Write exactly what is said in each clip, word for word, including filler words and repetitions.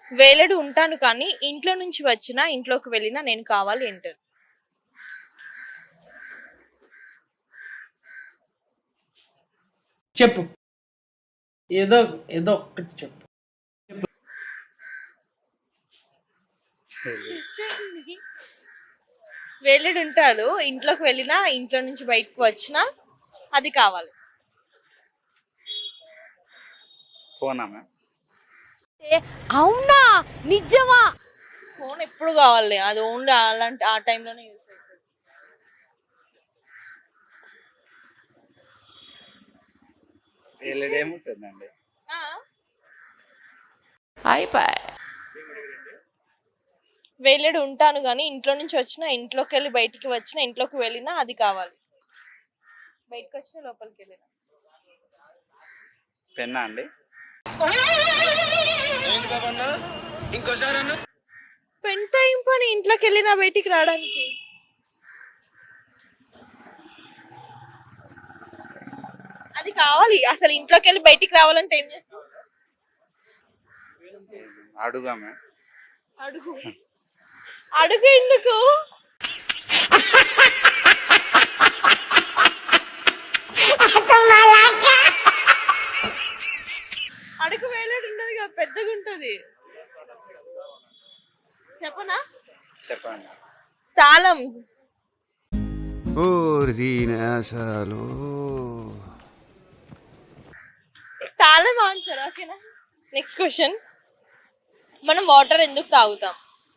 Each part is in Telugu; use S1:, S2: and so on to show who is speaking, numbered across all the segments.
S1: వేలెడు ఉంటాను కానీ ఇంట్లో నుంచి వచ్చినా ఇంట్లోకి వెళ్ళినా నేను కావాలి ఏంటది?
S2: చెప్పు, ఏదో ఏదో ఒక్కటి చెప్పు.
S1: వేలెడు ఉంటాడు, ఇంట్లోకి వెళ్ళినా ఇంట్లో నుంచి బయటకు వచ్చినా అది కావాలి.
S3: ఫోనా మ్యామ్?
S4: అవునా, నిజమా?
S1: ఫోన్ ఎప్పుడు కావాలి, అది ఓన్లీ అలాంటి ఆ టైంలోనే యూస్ అవుతుంది.
S3: ఎల్ఈడి ఏముంటుందండి?
S2: అయిపోయి
S1: వేలెడు ఉంటాను కానీ ఇంట్లో నుంచి వచ్చినా ఇంట్లోకి వెళ్ళి బయటికి వచ్చినా ఇంట్లోకి వెళ్ళినా అది కావాలి. బయటకు వచ్చినా లోపలికి వెళ్ళినా.
S3: పెన్నా అండి?
S1: పెన్తో ఏం పని ఇంట్లోకి వెళ్ళినా బయటికి రావడానికి? అది కావాలి. అసలు ఇంట్లోకి వెళ్ళి బయటికి రావాలంటే ఏం చేస్తాం?
S3: అడుగా మ్యామ్.
S1: అడుగు అడుగు ఎందుకు? అడుగు వేలాడు ఉండదు కదా, పెద్దగా ఉంటది. చెప్పనా?
S3: చెప్పండి.
S1: తాళం. తాళం ఆన్సర్. ఓకేనా? Next question. మనం వాటర్ ఎందుకు తాగుతాం?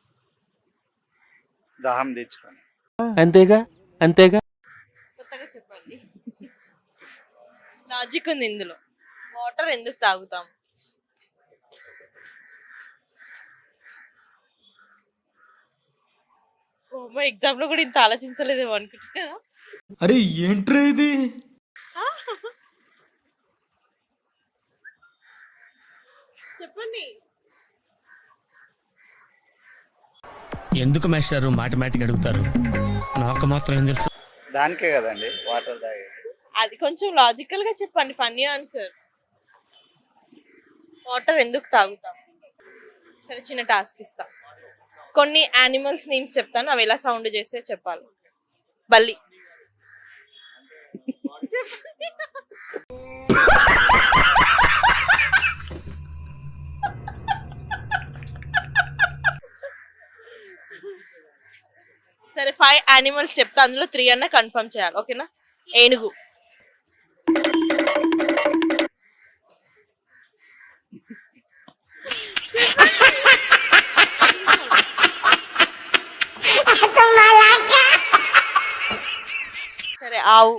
S3: దాహం తెచ్చుకొని.
S2: అంతేగా అంతేగా.
S1: కొత్తగా చెప్పండి. లాజిక్ ఉంది ఇందులో. వాటర్ ఎందుకు తాగుతాం? ఓ ఎగ్జామ్ లో కూడా ఇంత ఆలోచించలేదేమో అనుకుంటున్నా.
S5: అరే ఏంట్రా ఇది?
S1: చెప్పండి.
S5: ఎందుకు మాస్టారు మాటమాటిక్ అడుగుతారు? నాకు మాత్రం ఏం తెలుసు.
S3: దానికే కదండి వాటర్ తాగేది.
S1: అది కొంచెం లాజికల్ గా చెప్పండి. Funny answer. వాటర్ ఎందుకు తాగుతాం? సరే, చిన్న టాస్క్ ఇస్తా. కొన్ని యానిమల్స్ నేమ్స్ చెప్తాను, అవి ఎలా సౌండ్ చేస్తే చెప్పాలి. బల్లి. సరే, ఫైవ్ యానిమల్స్ చెప్తా, అందులో త్రీ అన్న కన్ఫర్మ్ చేయాలి. ఓకేనా? ఏనుగు, సరే ఆవు.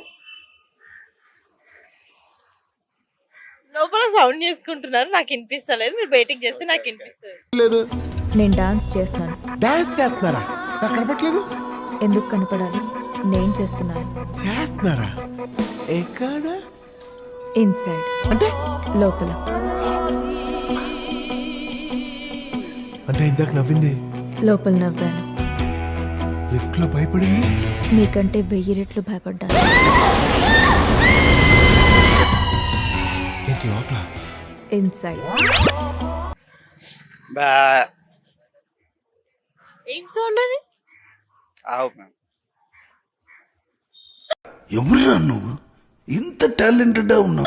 S1: లోపల సౌండ్ చేసుకుంటున్నారు, నాకు వినిపిస్తలేదు. మీరు బయటికి చేస్తే నాకు వినిపిస్తుంది.
S6: నేను డాన్స్ చేస్తాను.
S7: డాన్స్ చేస్తున్నారా? నాకు కనపట్లేదు.
S6: ఎందుకు కనపడాలి? నేను చేస్తున్నాను.
S7: చేస్తున్నారా? ఎక్కడ?
S6: ఇన్సైడ్,
S7: అంటే
S6: లోపల.
S7: అంటే ఇందాక నవ్వింది
S6: లోపల నవ్వాను.
S7: లిఫ్ట్ లో భయపడింది.
S6: మీకంటే వెయ్యి రెట్లు భయపడ్డాను.
S7: ఏంటి లోపల?
S6: ఇన్సైడ్.
S3: బా.
S1: ఏం సౌండ్ అది?
S3: ఆవు మ్యామ్.
S7: ఎవరురా నువ్వు? ఇంత టాలెంటెడ్ ఉన్నావు.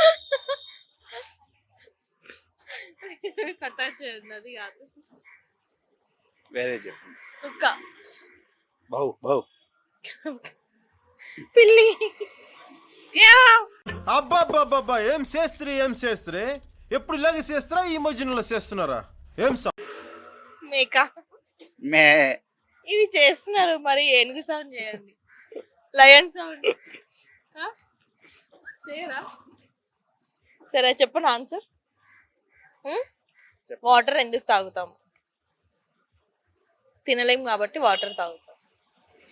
S1: కథ చేయండి కాదు.
S3: వేరే చెప్పండి.
S1: కుక్క.
S3: బౌ బౌ.
S1: పిల్లి.
S8: అబ్బాబ్బాబ్బా, ఏం చేస్త్రీ ఏం చేస్త్రీ? ఎప్పుడు ఇలాగే చేస్తారా? ఈ మధ్యలో చేస్తున్నారా? ఏం
S1: మేక.
S3: మే.
S1: ఇవి చేస్తున్నారు, మరి ఏనుగు సౌండ్ చేయండి. లయన్ సౌండ్ చేయరా? సరే చెప్పండి ఆన్సర్. వాటర్ ఎందుకు తాగుతాము? తినలేం కాబట్టి వాటర్ తాగుతాం.